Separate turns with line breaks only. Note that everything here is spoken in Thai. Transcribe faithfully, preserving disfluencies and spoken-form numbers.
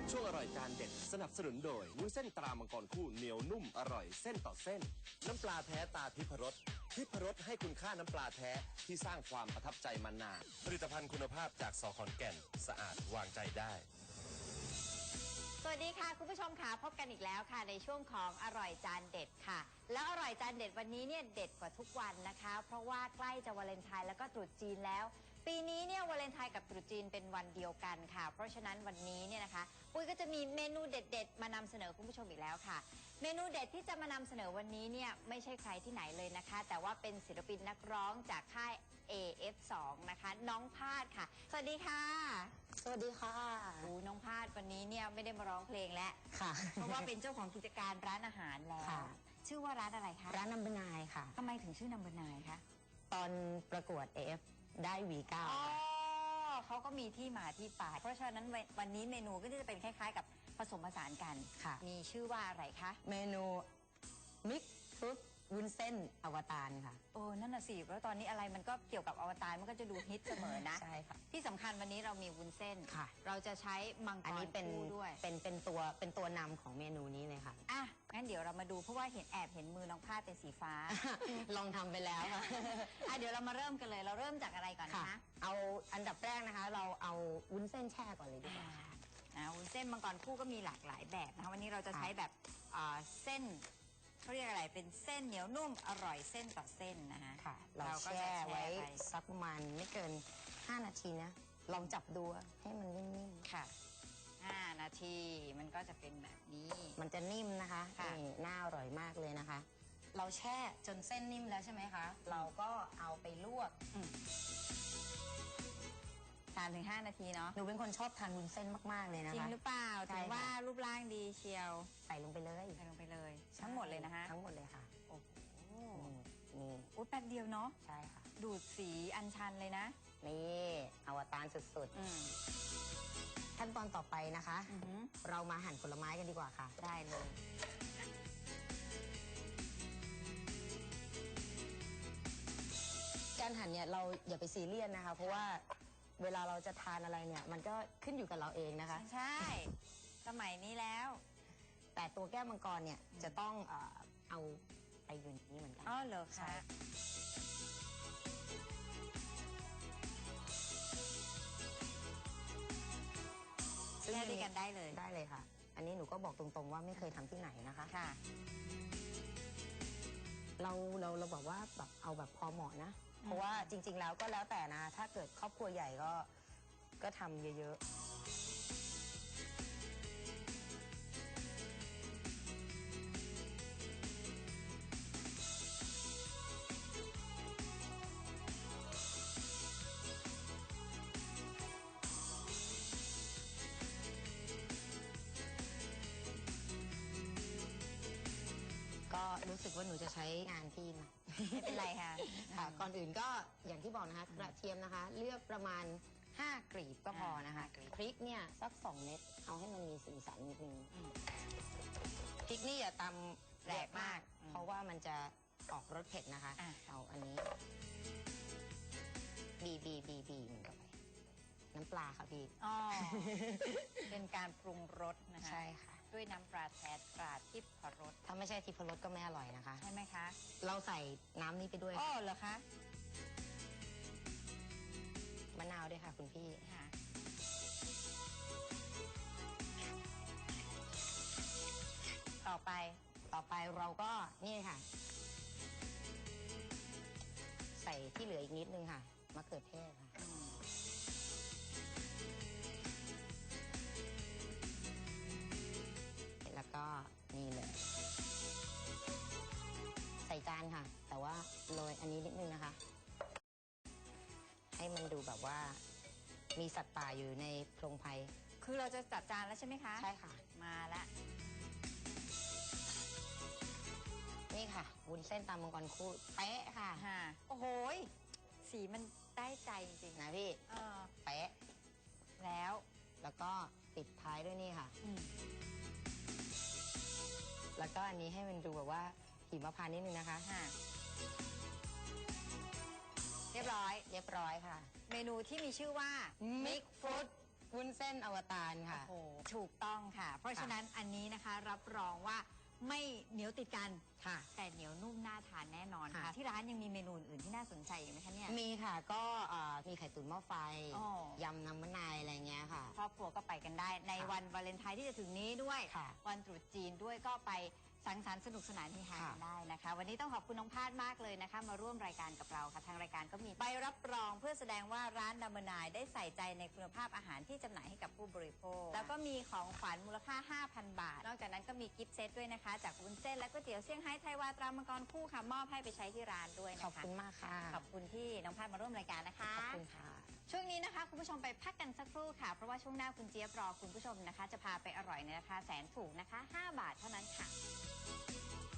ช่วงอร่อยจานเด็ดสนับสนุนโดยวุ้นเส้นตรามังกรคู่เหนียวนุ่มอร่อยเส้นต่อเส้นน้ำปลาแท้ตาทิพรสทิพรสให้คุณค่าน้ำปลาแท้ที่สร้างความประทับใจมานานผลิตภัณฑ์คุณภาพจากสขอนแก่นสะอาดวางใจได้
สวัสดีค่ะคุณผู้ชมค่ะพบกันอีกแล้วค่ะในช่วงของอร่อยจานเด็ดค่ะแล้วอร่อยจานเด็ดวันนี้เนี่ยเด็ดกว่าทุกวันนะคะเพราะว่าใกล้จะวาเลนไทน์แล้วก็ตรุษจีนแล้วปีนี้เนี่ยวาเลนไทน์กับตรุษจีนเป็นวันเดียวกันค่ะเพราะฉะนั้นวันนี้เนี่ยนะคะปุ้ยก็จะมีเมนูเด็ดๆมานำเสนอคุณผู้ชมอีกแล้วค่ะเมนูเด็ดที่จะมานำเสนอวันนี้เนี่ยไม่ใช่ใครที่ไหนเลยนะคะแต่ว่าเป็นศิลปินนักร้องจากค่าย เอ เอฟ สอง นะคะน้องพาดค่ะสวัสดีค่ะ
สวัสดีค่ะ
โอ้น้องพาดวันนี้เนี่ยไม่ได้มาร้องเพลงแล้ว
ค่ะ
เพราะว่าเป็นเจ้าของกิจการร้านอาหารแล้วชื่อว่าร้านอะไรคะ
ร้านนัมเบอร์นายค่ะ
ทำไมถึงชื่อนัมเบอร์นายคะ
ตอนประกวด เอ เอฟ ได้ วี เก้า
อ๋อเขาก็มีที่มาที่ไปเพราะฉะนั้นวันนี้เมนูก็จะเป็นคล้ายๆกับผสมผสานกัน
ค่ะ
มีชื่อว่าอะไรคะ
เมนูมิกซ์ฟรุตวุ้นเส้นอวตารค่ะ
โอ้นั่นน่ะสิแล้วตอนนี้อะไรมันก็เกี่ยวกับอวตารมันก็จะดูฮิตเสมอนะ
ใช่ค่ะ
ที่สำคัญวันนี้เรามีวุ้นเส้น
ค่ะ
เราจะใช้มังกรคู่ด้วย
เป็นเป็นตัวเป็นตัวนำของเมนูนี้เลยค่ะ
อ่ะงั้นเดี๋ยวเรามาดูเพราะว่าเห็นแอบเห็นมือน้องพาดเป็นสีฟ้า
ลองทำไปแล้วค่ะ
อ่ะเดี๋ยวเรามาเริ่มกันเลยเราเริ่มจากอะไรก่อนนะคะ
เอาอันดับแรกนะคะเราเอาวุ้นเส้นแช่ก่อนเลยดีกว่าค่ะ
นะวุ้นเส้นมังกรคู่ก็มีหลากหลายแบบนะคะวันนี้เราจะใช้แบบเส้นเขาเรียกอะไรเป็นเส้นเหนียวนุ่มอร่อยเส้นต่อเส้นนะคะ
ค่ะเราแช่ไว้สักประมาณไม่เกินห้านาทีนะลองจับดูให้มันนิ่ม
ๆค่ะห้านาทีมันก็จะเป็นแบบนี้
มันจะนิ่มนะคะนี่น่าอร่อยมากเลยนะคะเราแช่จนเส้นนิ่มแล้วใช่ไหมคะเราก็เอาไปลวก
สามถึงห้านาทีเนาะ
หนูเป็นคนชอบทานวุ้นเส้นมากๆเลยนะคะ
จริงหรือเปล่าถึงว่ารูปร่างดีเชียว
ใส่ลงไปเลย
ใส่ลงไปเลยทั้งหมดเลยนะคะ
ทั้งหมดเลยค่ะ
โอ้โห
นี่
อุ้ยแป๊บเดียวเนาะ
ใช่ค่ะ
ดูดสีอัญชันเลยนะ
นี่อวตารสุดๆขั้นตอนต่อไปนะคะเรามาหั่นผลไม้กันดีกว่าค่ะ
ได้เลย
การหั่นเนี่ยเราอย่าไปซีเรียสนะคะเพราะว่าเวลาเราจะทานอะไรเนี่ยมันก็ขึ้นอยู่กับเราเองนะคะ
ใช่สมัยนี้แล้ว
แต่ตัวแก้วมังกรเนี่ยจะต้องเอ่อเอาไปอยู่นี่เหมือนกัน
อ๋อเหรอคะแช่ด้วยกันได้เลย
ได้เลยค่ะอันนี้หนูก็บอกตรงๆว่าไม่เคยทำที่ไหนนะคะ
ค่ะ
เราเราเราบอกว่าแบบเอาแบบพอเหมาะนะเพราะว่าจริงๆแล้วก็แล้วแต่นะถ้าเกิดครอบครัวใหญ่ก็ก็ทำเยอะๆก็รู้สึกว่าหนูจะใช้งานพี่นะ
ไม่เป็นไรค่ะ
ค่ะก่อนอื่นก็อย่างที่บอกนะคะกระเทียมนะคะเลือกประมาณห้ากลีบก็พอนะคะพริกเนี่ยสักสองเม็ดเอาให้มันมีสีสันนิดนึงพริกนี่อย่าตำแหลกมากเพราะว่ามันจะออกรสเผ็ดนะคะเอาอันนี้บีบีบีบีมันเข้าไปน้ำปลาค่ะพี่
อ๋อเป็นการปรุงรสนะคะ
ใช่ค่ะ
ด้วยน้ำปลาแท้ตราทิพรส
ถ้าไม่ใช่ทิพรสก็ไม่อร่อยนะคะ
ใช่ไหมคะ
เราใส่น้ำนี้ไปด้วย
อ๋อเหรอคะ
มะนาวด้วยค่ะคุณพี่
ค่ะต่อไป
ต่อไปเราก็นี่ค่ะใส่ที่เหลืออีกนิดนึงค่ะมะเขือเทศค่ะแล้วก็นี่เลยใส่จานค่ะแต่ว่าโรยอันนี้นิดนึงนะคะให้มันดูแบบว่ามีสัตว์ป่าอยู่ในโพรงไพร
คือเราจะจัดจานแล้วใช่ไหมคะ
ใช่ค่ะ
มาละ
นี่ค่ะวุ้นเส้นตามมังกรคู่เป๊ะค่ะ
โอ้โหสีมันได้ใจจริง
นะพี่เป๊ะ
แล้ว
แล้วก็ปิดท้ายด้วยนี่ค่ะแล้วก็อันนี้ให้มันดูแบบว่าหิมพานต์นิดนึงนะคะ
เรียบร้อย
เรียบร้อยค่ะ
เมนูที่มีชื่อว่า
Mix Fruit วุ้นเส้นอวตารค่ะ
โอ้โหถูกต้องค่ะ เพราะฉะนั้นอันนี้นะคะรับรองว่าไม่เหนียวติดกัน
ค่ะ
แต่เหนียวนุ่มน่าทานแน่นอนค่ะ
ค่ะ
ที่ร้านยังมีเมนูอื่นที่น่าสนใจอีกไหมคะเนี่ย
มีค่ะก็เอ่อมีไข่ตุ๋นหม้อไฟ
อ๋อ
ยำน้ำมะนายอะไรเงี้ยค่ะ
ครอบครัวก็ไปกันได้ ใน
ค่ะ
วันวาเลนไทน์ที่จะถึงนี้ด้วย
ค่ะ
วันตรุษจีนด้วยก็ไปสังสรรค์สนุกสนานที่ฮา
ค่ะ
กันได้นะคะ วันนี้ต้องขอบคุณน้องพาดมากเลยนะคะ มาร่วมรายการกับเราค่ะทางรายการก็มีใบรับรองเพื่อแสดงว่าร้านดัมเบอร์นายได้ใส่ใจในคุณภาพอาหารที่จำหน่ายให้กับผู้บริโภค แล้วก็มีของขวัญมูลค่า ห้าพัน บาท นอกจากนั้นก็มีกิฟต์เซตด้วยนะคะ จากวุ้นเส้นและก๋วยเตี๋ยวเซี่ยงไฮ้ไทยวาตรามังกรคู่ค่ะมอบให้ไปใช้ที่ร้านด้วย
ขอบ
นะคะ
คุณมากค่ะ
ขอบคุณที่น้องพาดมาร่วมรายการนะคะ
ขอบคุณค่ะ
ช่วงนี้นะคะคุณผู้ชมไปพักกันสักครู่ค่ะเพราะว่าช่วงหน้าคุณเจี๊ยบรอคุณผู้ชมนะคะ จะพาไปอร่อยในราคาแสนถูกนะคะ ห้าบาทเท่านั้นค่ะ